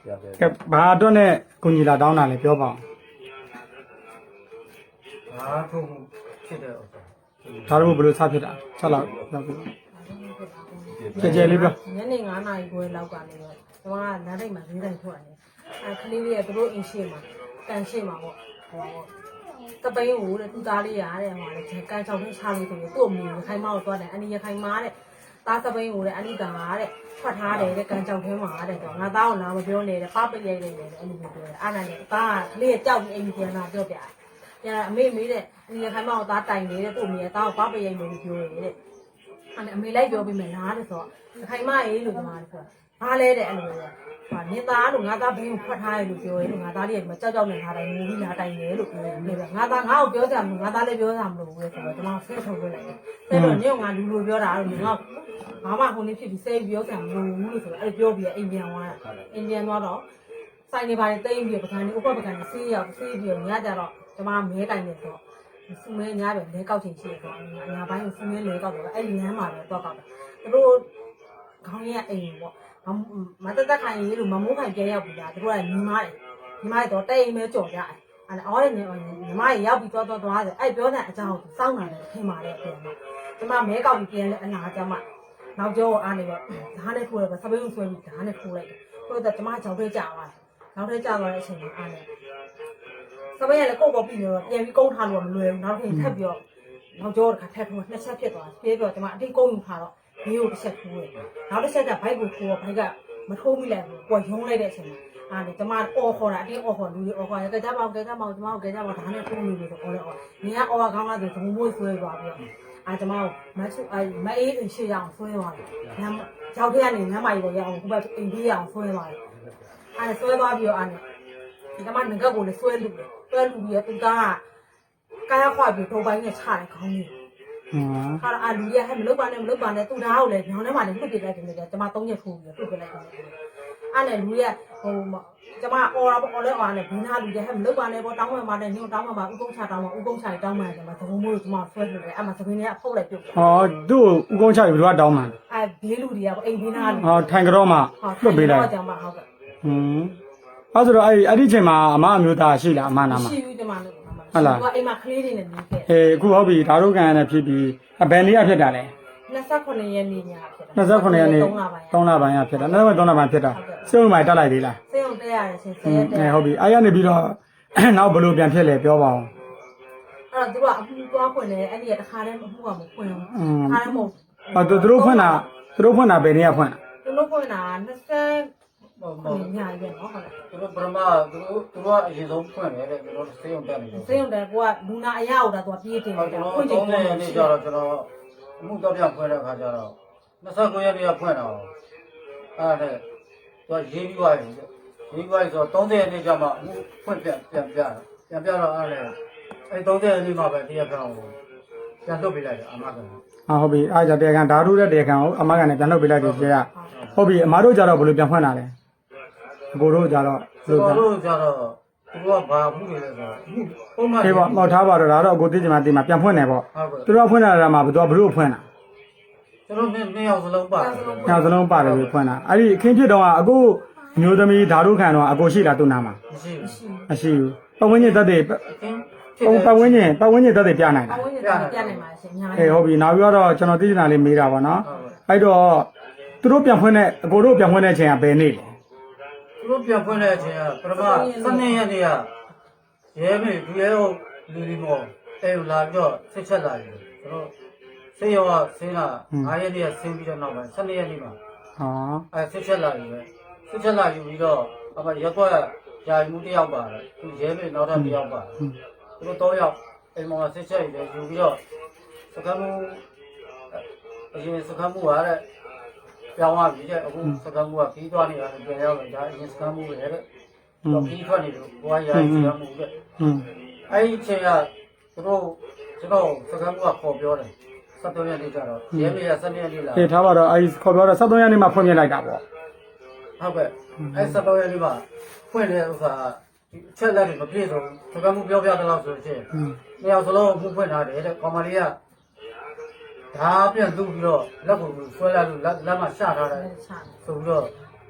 ဘာတော့နဲ့ကိုကြီးလာတောင်းတာလဲပြောပါဦးဘာထုံဖြစ်တဲ့ဥစ္စာဒါတော့ဘယ်လိုစဖြစ်တာဆက်လောက်လောက်ပြီကြဲလေးပြောညနေ9 နာရီခွဲလောက်ကလည်းတော့ကျွန်မကနားတိတ်မှာဈေးတိုင်းထွက်တယ်ကလေးလေးကသူတို့အင်းရှိမှာကန်ရှိမှာပေါ့ဟောတပိန်းကိုတဲ့သူသားလေးရတဲ့ဟောလေကန်ချောင်းလေးချလို့ဆိုရင်သူ့အမေရခိုင်မောက်သွားတယ်အနီရခိုင်မာတဲ့သားတပိန်းကိုတဲ့အနီတာတဲ့ထွက်ထားတယ်တဲ့ကန်ချောင်းထဲမှာတဲ့တော့ငါသားကိုလာမပြောနဲ့တဲ့ပပရိတ်နေတယ်အဲ့လိုမျိုးပြောတယ်အားနိုင်တယ်သားကလေးကြောက်ပြီးအိမ်ပြန်လာပြောပြတယ်အမေမေးတဲ့အနီရခိုင်မောက်သားတိုင်နေတဲ့သူ့အမေကသားကိုပပရိတ်နေလို့ပြောတယ်တဲ့အမေလိုက်ပြောပြီးမယ်လားတဲ့ဆိုတော့ခိုင်မအေးလို့ပြောတယ်ဆိုတာဘာလဲတဲ့အဲ့လိုပဲဟာနင်းသားလို့ငါသားဘင်းကိုဖွက်ထားရလို့ပြောရဲလို့ငါသားလေးကကြောက်ကြောက်နေထားတယ်ငိုပြီးလာတိုင်တယ်လို့ပြောတယ်ငါသားငါ့ကိုပြောကြမှာငါသားလည်းပြောကြမှာလို့ပဲဆိုတော့ကျွန်တော်ဆဲထုတ်ပြလိုက်တယ်ဆဲတော့ညငါလူလိုပြောတာလို့ငါဘာမှခုန်နေဖြစ်ပြီးဆဲပြောကြမှာမလို့ဘူးလို့ဆိုတော့အဲ့ပြောပြီးအိမ်ပြန်သွားတာအိမ်ပြန်သွားတော့ဆိုင်နေပါတယ်တိတ်ပြီးပကံနေဥပပကံနေဆေးရောက်ဆေးပြီးညကြတော့ကျွန်မမဲတိုင်နေဆိုစူမဲညားပဲလဲကောက်ချင်ရှိတယ်ဆိုတော့ငါဘိုင်းကိုစူမဲလဲကောက်တော့အဲ့လမ်းမှာပဲတော့ကောက်တာသူတို့ခေါင်းရအိမ်ပေါ့မတသက်ခိုင်ရေးလို့မမိုးခိုင်ပြဲရောက်ပြီလားသူတို့ကညီမတွေတော့တိတ်အိမ်မဲကြော်ကြတယ်အဲ့အော်တဲ့ညီမတွေရောက်ပြီးတော့သွားတယ်အဲ့ပြောတဲ့အကြောင်းကိုစောင့်နေတယ်ထင်ပါတယ်ပြန်တော့ကျမမဲကောက်ပြီးပြန်လဲအနာကျမနောက်ကျောအားနေတော့ဓာတ်နဲ့ထိုးတယ်ပဲစပိန်ဆွဲပြီးဓာတ်နဲ့ထိုးလိုက်တယ်ထိုးတော့ကျမကြောက်ထဲကျသွားတယ်နောက်ထဲကျသွားတဲ့အချိန်မှာအားနေစပိန်ကလည်းကိုယ့်ဘောပြီးတော့ပြန်ပြီးကုန်းထားလို့မလွယ်ဘူးနောက်ထပ်ထပ်ပြီးတော့နောက်ကျောတစ်ခါထပ်ထိုးနှစ်ချက်ဖြစ်သွားတယ်ပြေးပြီးတော့ကျမအတိတ်ကုန်းယူထားတော့ဘေးကိုတစ်ချက်ထိုးတယ်နောက်တစ်ချက်ကဘိုက်ကိုထိုးတော့ဘိုက်ကမထိုးမိလိုက်ဘူးပေါ်ရုံးလိုက်တဲ့အချိန်မှာအားလေကျမအော်ခေါ်တာအတင်းအော်ခေါ်လူတွေအော်ခေါ်ရကြပါဦးကြပါဦးကျမတို့ကြပါဦးဒါနဲ့ထိုးနေလို့ဆိုအော်လေအော်နင်ကအော်ခေါင်းလာဆိုဒုံမိုးဆွဲသွားပြီးတော့ကျမတို့မအေးအိမ်ရှိရအောင်ဆွဲသွားတယ်ရောက်ခဲ့ကနေညမကြီးပေါ်ရအောင်ဟိုဘက်အိမ်ပြေးရအောင်ဆွဲသွားတယ်ဆွဲသွားပြီးတော့ကျမငကက်ကိုလည်းဆွဲလူပြီးတော့သူကကာယခွာပြီးဒုံပိုင်းနဲ့ချတယ်ခေါင်းကြီးဟာလူရဟဲ့မလုပ်ပါနဲ့သူသားကိုလည်းညောင်းထဲမှာလည်းလွတ်ပြလိုက်တယ်ကျမ3ရက်ထိုးပြီးလွတ်ပြလိုက်တယ်အဲ့နဲ့လူရဟိုကျမအော်တာပေါ့အော်လဲအော်နဲ့ဘင်းသားလူရဟဲ့မလုပ်ပါနဲ့ပေါ့တောင်းမှမှာနဲ့ညို့တောင်းမှမှာဥကုန်းချတောင်းမှဥကုန်းချတောင်းမှကျမသဘုံမိုးကျမဆွဲပြတယ်အဲ့မှာသဘင်းတွေကဖုတ်လိုက်ပြုတ်ဟောသူ့ဥကုန်းချပြီးတော့တောင်းမှဘေးလူတွေကပေါ့အိမ်ဘင်းသားလူဟောထိုင်ကြောမှလွတ်ပေးလိုက်ကျမဟုတ်ကဲ့အဲ့ဆိုတော့အဲ့ဒီချိန်မှာအမအမျိုးသားရှိလားအမနာမှာရှိဘူးကျမလို့ဟုတ်လားအိမ်မှာကလေးတွေနဲ့နေခဲ့အခုဟုတ်ပြီဒါတို့ကန်နဲ့ဖြစ်ပြီးဘယ်နေ့ကဖြစ်တာလဲ 29ရက်နေ့ညဖြစ်တာ 29ရက်နေ့3လပိုင်းကဖြစ်တာနောက်3လပိုင်းဖြစ်တာစေုံမိုင်တက်လိုက်သေးလားစေုံတက်ရတယ်ရှင်10ရက်တက်ဟုတ်ပြီအဲ့ရနေပြီးတော့နောက်ဘယ်လိုပြန်ဖြစ်လဲပြောပါဦးအဲ့တော့သူကအမှုသွားဖွင့်တယ်အဲ့ဒီကတခါတည်းအမှုကမဖွင့်ဘူးတခါတည်းမဟုတ်သူတို့ဖွင့်တာဘယ်နေ့ကဖွင့်တာသူတို့ဖွင့်တာ20ညာရက်နော်ဟုတ်လားသူတို့ပရမသူတို့ကအရင်ဆုံးဖွင့်တယ်တဲ့သူတို့စေုံတက်နေတယ်စေုံတက်ကိုကလူနာအရာကိုတော့သူကပြေးတင်တယ်ဖွင့်ချိန်30ရက်နေ့ကျတော့ကျွန်တော်အမှုတော့ပြန်ဖွင့်တဲ့အခါကျတော့29ရက်နေ့ကဖွင့်တော့အဲ့ဒါသူကရေးပြီးသွားပြီဆိုတော့30ရက်နေ့ကျမှအမှုဖွင့်ပြန်ပြတော့အဲ့ဒါအဲ့30ရက်နေ့မှပဲတရားခံကိုပြန်လွတ်ပေးလိုက်တယ်အမကဟုတ်ပြီအားကြတရားခံဓာတုတဲ့တရားခံကိုအမကလည်းပြန်လွတ်ပေးလိုက်တယ်ကျေကဟုတ်ပြီအမတို့ကြတော့ဘယ်လိုပြန်ဖွင့်တာလဲအကိုတို့ကြတော့သူတို့ကဘာမှုတွေလဲဆိုတော့ပုံမှန်ဟေးပေါ့မောက်ထားပါတော့ဒါတော့အကိုသိချင်မှပြန်ဖွင့်တယ်ပေါ့သူတို့ကဖွင့်တာကမှဘယ်သူကဘလို့ဖွင့်တာကျွန်တော်နှစ်ယောက်စလုံးပါတယ်နှစ်ယောက်စလုံးပါတယ်ပြီးဖွင့်တာအဲ့ဒီအခင်းဖြစ်တော့အခုမျိုးသမီးဓာတုခံတော့အကိုရှိလားသူ့နာမှာမရှိဘူးပတ်ဝန်းကျင်သက်တွေပတ်ဝန်းကျင်သက်တွေပြနိုင်တာပတ်ဝန်းကျင်သက်တွေပြနိုင်ပါရှင်အများကြီးဟုတ်ပြီနောက်ပြီးတော့ကျွန်တော်သိချင်တာလေးမေးတာပါနော်အဲ့တော့သူတို့ပြန်ဖွင့်တဲ့အကိုတို့ပြန်ဖွင့်တဲ့အချိန်ကဘယ်နေ့လဲသူတို့ပြန်ဖွင့်တဲ့အချိန်ကပထမ12ရက်နေ့ကရဲမေဒီရဲဟုတ်လူဒီမောအဲလာပြီးတော့ဆက်ချက်လာတယ်ကျွန်တော်ဆေးရောဆင်းလာ9ရက်နေ့ကဆင်းပြီးတော့နောက်ပိုင်း12ရက်နေ့မှာအဲဆက်ချက်လာပြီပဲဆက်ချက်လာယူပြီးတော့အမရက်တော့ယာယူတယောက်ပါတယ်သူရဲမေနောက်ထပ်တယောက်ပါတယ်သူတို့3ယောက်အိမ်မှာဆက်ချက်ယူပြီးတော့စကမ်းမှုအရင်စကမ်းမှုကတဲ့ပြောင်းသွားပြီတဲ့အခုစကမ်းမှုကပြီးသွားနေတာပြန်ရောက်လာဒါအရင်စကမ်းမှုပဲတဲ့တော့ပြီးထွက်နေလို့ဘွားယာယူစကမ်းမှုတဲ့အဲ့ဒီအချိန်ကသူတို့ကျွန်တော်စကမ်းမှုကခေါ်ပြောတယ်73ရက်နေ့ကျတော့ရဲမေက7ရက်နေ့လာထားပါတော့အဲ့ခေါ်ပြောတော့73ရက်နေ့မှာဖွင့်ပြလိုက်တာပေါ့ဟုတ်ကဲ့အဲ့73ရက်နေ့မှာဖွင့်တဲ့ဥစ္စာချက်လက်တွေမပြည့်စုံစကမ်းမှုပြောပြတဲ့လောက်ဆိုရင်နှစ်ယောက်စလုံးမှုဖွင့်ထားတယ်တဲ့ကောင်မလေးကဒါပြန်သူ့ပြီးတော့လက်ကိုဆွဲလိုက်လို့လက်မှာရှထားတယ်ဆိုပြီးတော့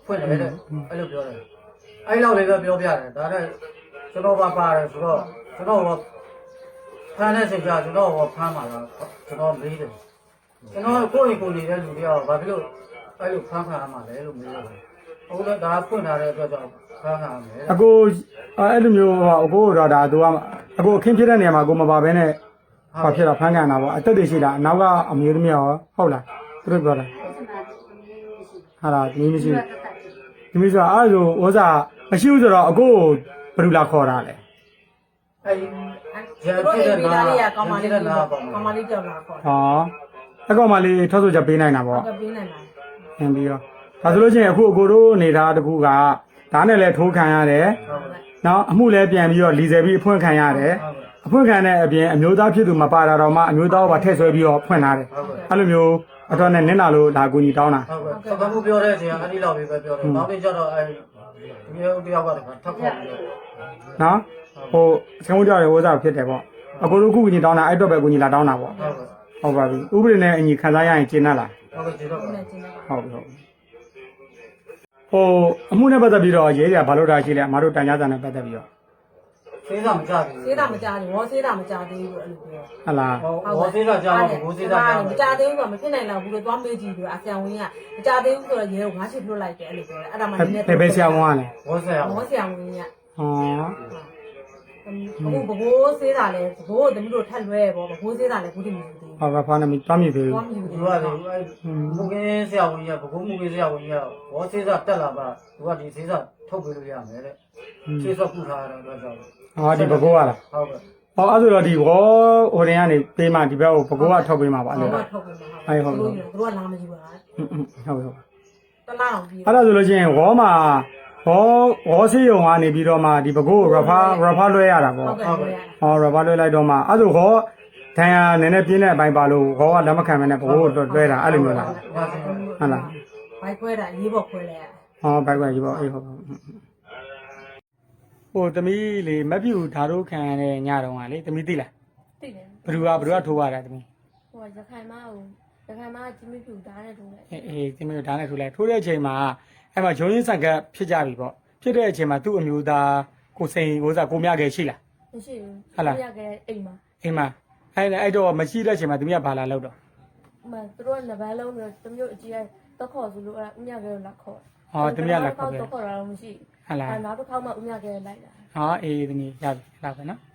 ဖွင့်တယ်တဲ့အဲ့လိုပြောတယ်အဲ့လောက်လေးပဲပြောပြတယ်ဒါနဲ့ကျွန်တော်ပါတယ်ဆိုတော့ကျွန်တော်ဖမ်းတဲ့ချိန်ကျကျွန်တော်ဖမ်းပါလားကျွန်တော်မေးတယ်ကျွန်တော်ကိုယ့်အိမ်ကိုနေတဲ့လူတွေကဘာဖြစ်လို့အဲ့လိုဖမ်းခံရမှာလဲလို့မေးတယ်အခုလည်းဒါဖွင့်ထားတဲ့အတွက်ကြောင့်ဖမ်းခံရမယ်အကိုအဲ့လိုမျိုးအကိုတော့ဒါသူကအကိုအခင်းဖြစ်တဲ့နေရာမှာအကိုမပါဘဲနဲ့ဘာဖြစ်တော့ဖမ်းခံတာပေါ့အသက်တွေရှိတာအနောက်ကအမျိုးသမီးရောဟုတ်လားသူတို့ပြောတာဟာလားဒီမရှိဒီမျိုးဆိုအဲ့လိုဥစားမရှိဘူးဆိုတော့အကိုဘယ်လိုလာခေါ်တာလဲအဲ့တို့အိမ်မိသားလေးကကောင်းမလေးကြောက်လာခေါ်ဟောအကောင်မလေးထောက်ဆိုချက်ပေးနိုင်တာပေါ့ကပေးနိုင်ပါဟင်ပြီးတော့ဒါဆိုလို့ချင်းအခုအကိုတို့နေတာတခုကဓာတ်နဲ့လည်းထိုးခံရတယ်နော်အမှုလည်းပြန်ပြီးတော့လီဆယ်ပြီးအဖွင့်ခံရတယ်အဖွင့်ခံတဲ့အပြင်အမျိုးသားဖြစ်သူမပါတာတော့မှအမျိုးသားဘာထည့်ဆွဲပြီးတော့ဖွင့်လာတယ်အဲ့လိုမျိုးအတော်နဲ့နင်းလာလို့ဒါအကူကြီးတောင်းတာဟုတ်ကဲ့ဘာမှပြောတဲ့အချိန်ကအဲ့ဒီလောက်ပဲပြောတယ်နောက်ပြီးကျတော့အဲ့ဒီတယောက်ကလည်းထပ်ခေါ်ပြီးတော့နော်ဟိုဆင်းဦးကြောက်ရဲ့ဝစားဖြစ်တယ်ပေါ့အကိုတို့ကူကြီးတောင်းတာအဲ့တော့ပဲကူကြီးလာတောင်းတာပေါ့ဟုတ်ပါပြီဥပဒေနဲ့အညီခံစားရရင်ကျင်းတတ်လားဟုတ်ကဲ့ကျေတော့ပါနေချင်းပါဟုတ်ပြီဟုတ်ဟိုအမှုနဲ့ပတ်သက်ပြီးတော့ရေးကြဘာလို့တာရှိလဲအမတို့တန်ကြားစာနဲ့ပတ်သက်ပြီးတော့သေးတာမကြဘူးသေးတာမကြဘူးဝေါ်သေးတာမကြသေးဘူးအဲ့လိုပြောဟလာဟောသေးတာကြားမှာဘိုးသေးတာကြားမကြသေးဘူးကမဖြစ်နိုင်တော့ဘူးလို့သွားမေးကြည့်ပြီးအဆံဝင်ကမကြသေးဘူးဆိုတော့ရဲကိုငါးချစ်လွတ်လိုက်တယ်အဲ့လိုပြောတယ်အဲ့ဒါမှနည်းနည်းဘယ်ဆရာဝန်ကလဲဘောဆရာမောဆံဝင်ကဟောအခုဘိုးသေးတာလဲဘိုးသမီးတို့ထက်လွဲပေါ့ဘိုးသေးတာလဲဘူးတည်မလို့သေးဘူးဟောဘာဖားနေပြီသွားမြည်သေးသွားဘူးမြည်သူဘူးကလေမူကင်းဆရာဝန်ကြီးကဘကုံးမူကင်းဆရာဝန်ကြီးကဘောသေးတာတက်လာပါသူကဒီသေးတာထုတ်ပေးလို့ရမယ်တဲ့ခြေစောက်ပူထားတဲ့အတွက်ကြောင့်ဟောဒီဘကိုးကလားဟုတ်ကဲ့ဟောအဲ့ဆိုတော့ဒီဝေါ်ဟိုတင်ကနေပေးမှဒီဘက်ကိုဘကိုးကထုတ်ပေးမှာပါအဲ့လိုတော့ထုတ်ပေးမှာဟုတ်သူတို့ကလာမကြည့်ပါဟုတ်ဟုတ်တလားအောင်ပြီးအဲ့ဒါဆိုလို့ချင်းဝေါ်မှာဝေါ်စေးရုံကနေပြီးတော့မှဒီဘကိုးရဖာလွှဲရတာပေါ့ဟုတ်ကဲ့ဟုတ်ကဲ့ဟောရဖာလွှဲလိုက်တော့မှအဲ့ဆိုဝေါ်ဒဏ်ရာနည်းနည်းပြင်းတဲ့အပိုင်းပါလို့ဝေါ်ကလက်မခံမနဲ့ဘကိုးကိုလွှဲတာအဲ့လိုမျိုးလားဟုတ်လားဘိုက်ခွဲတာရေးပေါ်ခွဲလဲဟောဘိုက်ကြီးပေါ့အေးဟုတ်ဟိုသမီးလေမပြူဓာတ်တို့ခံရတဲ့ညတုန်းကလေသမီးသိလားသိတယ်ဘယ်သူကထိုးရတာသမီးဟိုရခိုင်မကြီးမပြူဓာတ်နဲ့ထုံးလိုက်အေးသမီးတို့ဓာတ်နဲ့ထိုးလိုက်ထိုးတဲ့အချိန်မှာအဲ့မှာရုံးရင်းဆန်ကဖြစ်ကြပြီပေါ့ဖြစ်တဲ့အချိန်မှာသူ့အမျိုးသားကိုစိန်ကိုစားကိုမြခဲ့ရှိလားမရှိဘူးဟုတ်လားရခဲ့အိမ်မှာအိမ်မှာအဲ့တော့မရှိတဲ့အချိန်မှာသမီးကဘာလာလောက်တော့ဥမာသူတို့ကနှစ်ပန်းလုံးပြီးတော့တမျိုးအကြီးတက်ခေါ်ဆိုလို့အဲ့ဥမြခဲကိုလာခေါ်ဟောသမီးကလာခေါ်ခဲ့တက်ခေါ်တာတော့မရှိဟုတ်လားအဲ့နောက်တစ်ခေါက်မှဥမြခဲလိုက်တာဟောအေးသမီးရပြီလာပဲနော်